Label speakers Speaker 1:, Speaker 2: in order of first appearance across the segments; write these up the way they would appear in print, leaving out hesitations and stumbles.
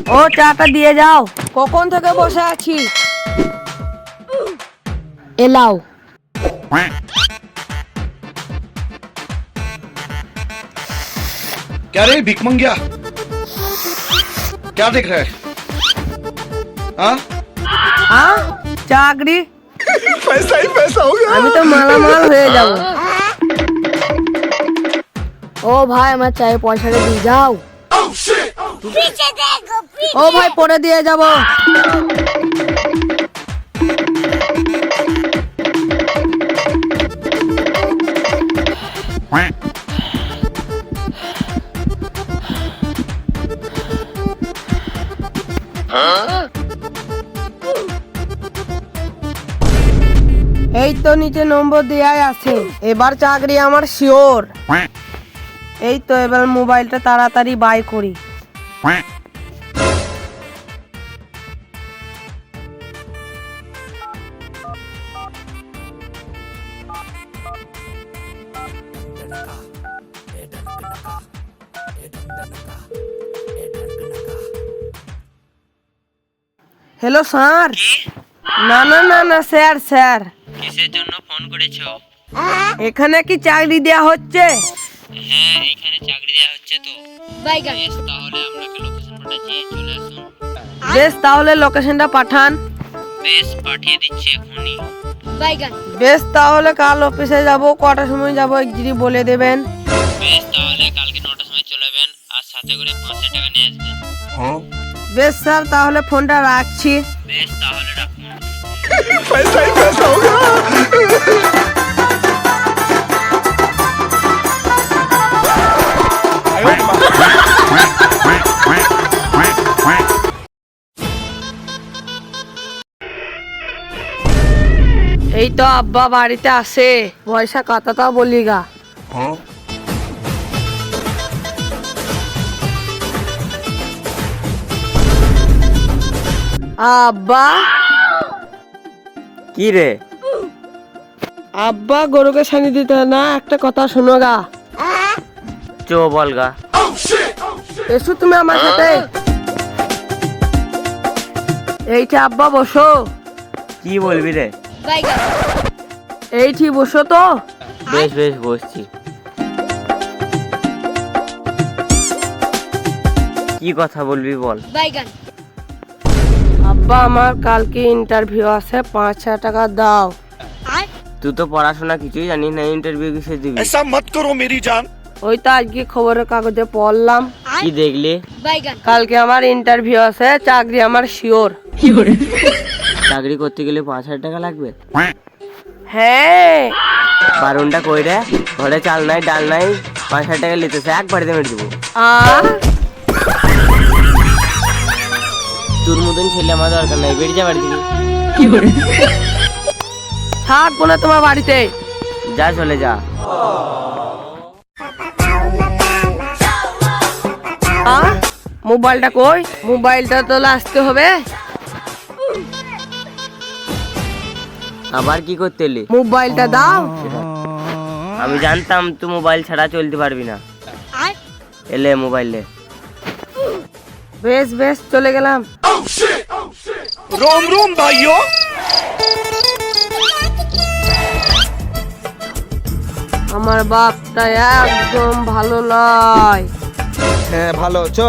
Speaker 1: ও চাটা দিয়ে যাও। কখন থেকে বসে আছি। এলাও।
Speaker 2: क्या रे भिख मंगिया क्या देख रहा है हाँ
Speaker 1: হ্যাঁ চাকরি
Speaker 2: पैसा ही पैसा हो गया
Speaker 1: আমি তো মালামাল হয়ে যাব। ও ভাই আমার চাই পয়সাটা দিয়ে যাও। ও ভাই পরে দিয়ে যাব। এই তো নিচে নম্বর দেয়াই আছে। এবার চাকরি আমার শিওর। এই তো এবার মোবাইলটা তাড়াতাড়ি বাই করি। Hello sir. না না না না স্যার স্যার।
Speaker 3: কিসের জন্য ফোন করেছো?
Speaker 1: এখানে কি চাকরি দেয়া হচ্ছে?
Speaker 3: হ্যাঁ এখানে চাকরি দেওয়া হচ্ছে তো। বেশ তাহলে আপনাকে লোকেশন পাঠাচ্ছি, চলে আসুন।
Speaker 1: বেশ তাহলে লোকেশনটা পাঠান।
Speaker 3: বেশ পাঠিয়ে দিচ্ছি এখনই।
Speaker 1: বেশ তাহলে কাল অফিসে যাব। কটার সময় যাব যদি বলে দেবেন।
Speaker 3: বেশ তাহলে কালকে 9টার সময় চলে যাবেন আর সাথে করে 500 টাকা নিয়ে আসবেন।
Speaker 1: বেশ স্যার তাহলে ফোনটা রাখছি।
Speaker 3: বেশ তাহলে রাখুন।
Speaker 2: पैसा ही पैसा हो गया
Speaker 1: এই তো আব্বা বাড়িতে আসে। পয়সা কথাটাও বলি গা। আব্বা
Speaker 3: কি রে?
Speaker 1: আব্বা গরুকে ছানি দিতে না, একটা কথা শোনো গা।
Speaker 3: চো বল গা।
Speaker 1: এসো তুমি আমার সাথে। এইটা আব্বা বসো।
Speaker 3: কি বলবি রে?
Speaker 1: এইটি বসো তো।
Speaker 3: বেশ বেশ বসছি। কি কথা বলবি বল।
Speaker 1: আব্বা আমার কালকে ইন্টারভিউ আছে, 5,000 টাকা দাও।
Speaker 3: তুই তো পড়াশোনা কিছুই জানিস না, ইন্টারভিউ কিসে দিবি?
Speaker 2: ऐसा मत करो मेरी जान
Speaker 1: ওই তো আজকে খবরের কাগজে পড়লাম।
Speaker 3: কি দেখলি?
Speaker 1: কালকে আমার ইন্টারভিউ আছে, চাকরি আমার শিওর।
Speaker 3: চাকরি করতে গেলে 5,000 টাকা লাগবে?
Speaker 1: হ্যাঁ
Speaker 3: বারণটা কই রে? ঘরে চাল নাই ডাল নাই, 5,000 টাকা লিতেছে, একবারে মেরে দেবো।
Speaker 1: আর
Speaker 3: তোর মতন ছেলে আমার দরকার নাই, বেরিয়ে যা বাড়ি থেকে।
Speaker 1: থাকবো না তোমার বাড়িতে।
Speaker 3: যা চলে যা।
Speaker 1: মোবাইলটা কই? মোবাইলটা তো আসতে হবে।
Speaker 3: আবার কি করতে এলি?
Speaker 1: মোবাইলটা দাও।
Speaker 3: আমি জানতাম তুই মোবাইল ছাড়া চলতে পারবি না। এলে মোবাইল লে।
Speaker 1: বেশ বেশ চলে গেলাম।
Speaker 2: रोम रोम भाइयों
Speaker 1: আমার বাপটা একদম ভালো নয়।
Speaker 4: হ্যাঁ ভালো চো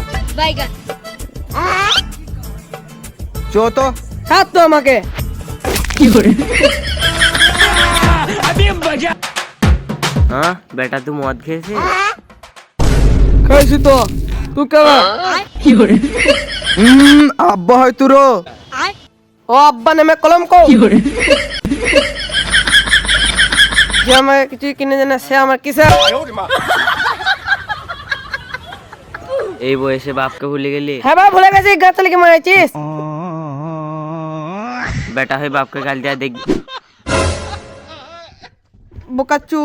Speaker 4: চো তো
Speaker 1: ছাড় তো আমাকে।
Speaker 3: হ্যাঁ বেটা তুই মদ খেয়েছিস?
Speaker 1: খাইছি তো। তুই কেমন?
Speaker 4: আব্বা হয় তুরো
Speaker 1: ও আব্বা নামে কলম কো। যে আমাকে কিছু কিনে দেয় না সে আমার কিসে।
Speaker 3: এই বয়সে বাপকে ভুলে গেলি?
Speaker 1: হ্যাঁ ভাই ভুলে গেছি। গাছ লিখে মারাইছিস।
Speaker 3: বেটা হয়ে বাপকে গাল দেয়া দেখবি।
Speaker 1: বোকাচু।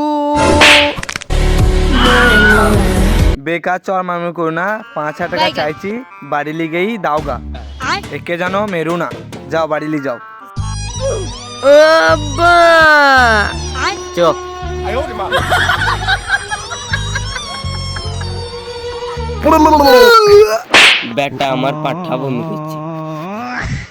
Speaker 4: বেকার চর মামু করো না, 5,000 টাকা চাইছি, বাড়ি লিগেই দাওগা। একে জানো মেরু না, যাও বাড়ি লি যাও।
Speaker 1: আব্বা
Speaker 3: চোখ ব্যাটা আমার পাঠা বমি করছে।